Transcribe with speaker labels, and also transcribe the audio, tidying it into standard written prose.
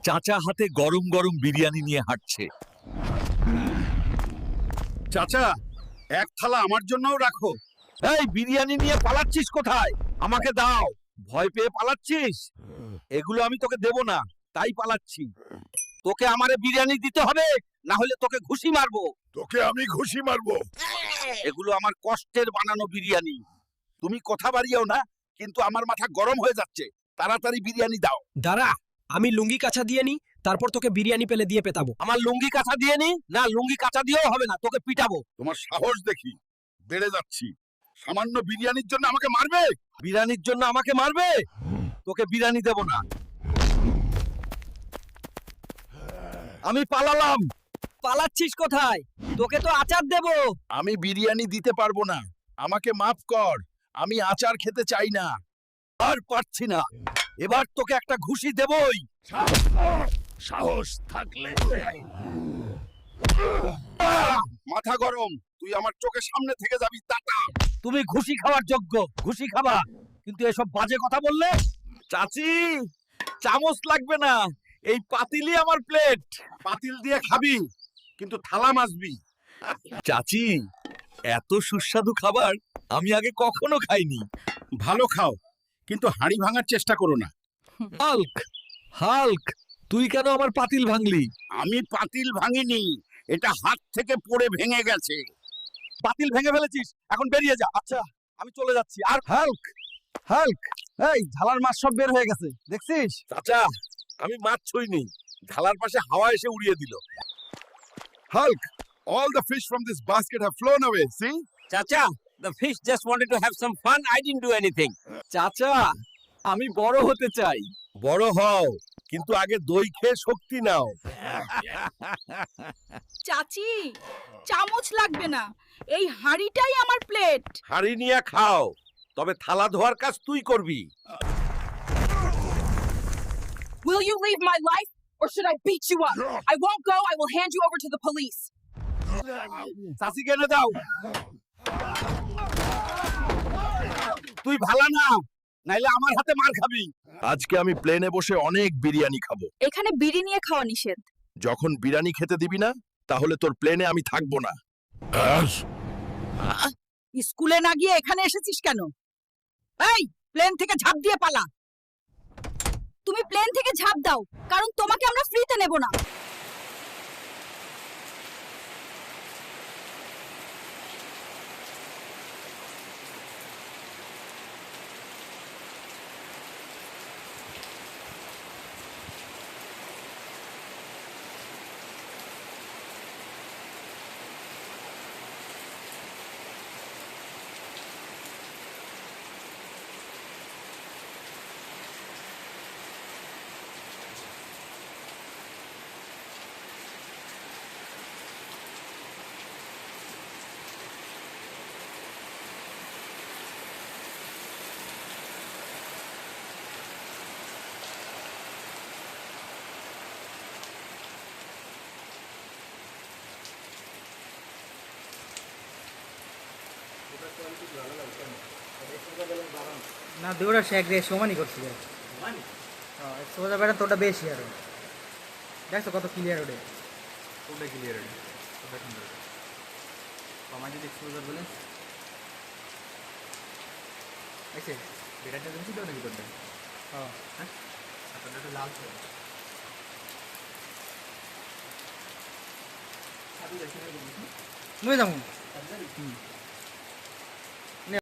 Speaker 1: চাচা হাতে গরম গরম বিরিয়ানি নিয়ে হাঁটছে।
Speaker 2: চাচা, এক থালা আমার জন্যও রাখো।
Speaker 1: এই বিরিয়ানি নিয়ে পালাচ্ছিস কোথায়? আমাকে দাও। ভয় পেয়ে পালাচ্ছিস? এগুলো আমি তোকে দেব না, তাই পালাচ্ছি। তোকে আমারে বিরিয়ানি দিতে হবে, না হলে তোকে ঘুষি মারবো।
Speaker 2: তোকে আমি ঘুষি মারবো।
Speaker 1: এগুলো আমার কষ্টের বানানো বিরিয়ানি। তুমি কথা বাড়িও না, কিন্তু আমার মাথা গরম হয়ে যাচ্ছে। তাড়াতাড়ি বিরিয়ানি দাও।
Speaker 3: দাঁড়া, আমি লুঙ্গি কাছা দিয়ে নি, তারপর তোকে বিরিয়ানি পেলে দিয়ে পেতাবো।
Speaker 1: আমার লুঙ্গি কাঁচা দিয়ে নি? না, লুঙ্গি কাঁচা দিয়েও হবে না, তোকে পিটাবো।
Speaker 2: তোমার সাহস দেখি বেড়ে যাচ্ছি। সামান্য বিরিয়ানির জন্য আমাকে মারবে?
Speaker 1: বিরিয়ানির জন্য আমাকে মারবে? তোকে বিরিয়ানি দেব না। আমি পালালাম।
Speaker 3: পালাচ্ছিস কোথায়? তোকে তো আচার দেবো।
Speaker 2: আমি বিরিয়ানি দিতে পারবো না, আমাকে মাফ কর। আমি আচার খেতে চাই না।
Speaker 1: আর পারছি না, এবার তোকে একটা ঘুষি দেবই।
Speaker 2: সাহস থাকলে মাথা গরম, তুই আমার চোখের সামনে থেকে যাবি টাটা।
Speaker 1: তুমি ঘুষি খাওয়ার যোগ্য, ঘুষি খাবা, কিন্তু এসব বাজে কথা বললে। চাচি, চামচ লাগবে না, এই পাতিলই আমার প্লেট।
Speaker 2: পাতিল দিয়ে খাবি, কিন্তু থালা মাজবি।
Speaker 1: চাচি, এত সুস্বাদু খাবার আমি আগে কখনো খাইনি।
Speaker 2: ভালো খাও, কিন্তু হাঁড়ি ভাঙার চেষ্টা করো না।
Speaker 1: হাল্ক, হাল্ক, তুই কেন আমার পাতিল ভাঙলি?
Speaker 2: আমি পাতিল ভাঙিনি, এটা হাত থেকে পড়ে ভেঙে গেছে।
Speaker 1: পাতিল ভেঙে ফেলেছিস, এখন বেরিয়ে যা। আচ্ছা, আমি চলে যাচ্ছি। আর হাল্ক, হাল্ক, এই ঝালার মাছ সব বের হয়ে গেছে, দেখছিস? চাচা, আমি মাছ ছুঁইনি, ঝালার পাশে হাওয়া এসে উড়িয়ে দিল।
Speaker 2: Hulk, all the fish from this basket have flown away, see?
Speaker 4: Chacha, the fish just wanted to have some fun. I didn't do anything.
Speaker 1: চাচা, আমি বড় হতে চাই। বড় হও, কিন্তু আগে দই খেয়ে শক্তি নাও।
Speaker 5: চাচি, চামচ লাগবে না, এই হাঁড়িটাই আমার প্লেট।
Speaker 1: হাড়ি নিয়ে খাও, তবে থালা ধোয়ার কাজ তুই করবি।
Speaker 5: Will you leave my life or should I beat you up? I won't go. I will hand you over to the police.
Speaker 1: চাচি কেনে দাও। তুই ভালা না, নাইলে আমার হাতে মার খাবি।
Speaker 2: আজকে আমি প্লেনে বসে অনেক বিরিয়ানি খাবো।
Speaker 5: এখানে বিড়ি নিয়ে খাওয়া নিষেধ।
Speaker 2: যখন বিরিয়ানি খেতে দিবি না, তাহলে তোর প্লেনে আমি থাকবো না।
Speaker 5: স্কুলে না গিয়ে এখানে এসেছিস কেন? এই, প্লেন থেকে ঝাঁপ দিয়ে পালা। তুমি প্লেন থেকে ঝাঁপ দাও, কারণ তোমাকে আমরা ফ্রিতে নেব না।
Speaker 6: না দুটোটা সে একদিকে সমানই করছি হ্যাঁ সোজা বেড়া তোটা বেশি আরো দেখছো কত ক্লিয়ার ওঠে ওটা ক্লিয়ার ওঠে ওটা সুন্দর আমার যদি এক্সপোজার বলেন আচ্ছা বেড়াটা দেখছি তো নাকি তোরটা হ্যাঁ হ্যাঁ তোরটা লাল ছিল নয় যাবো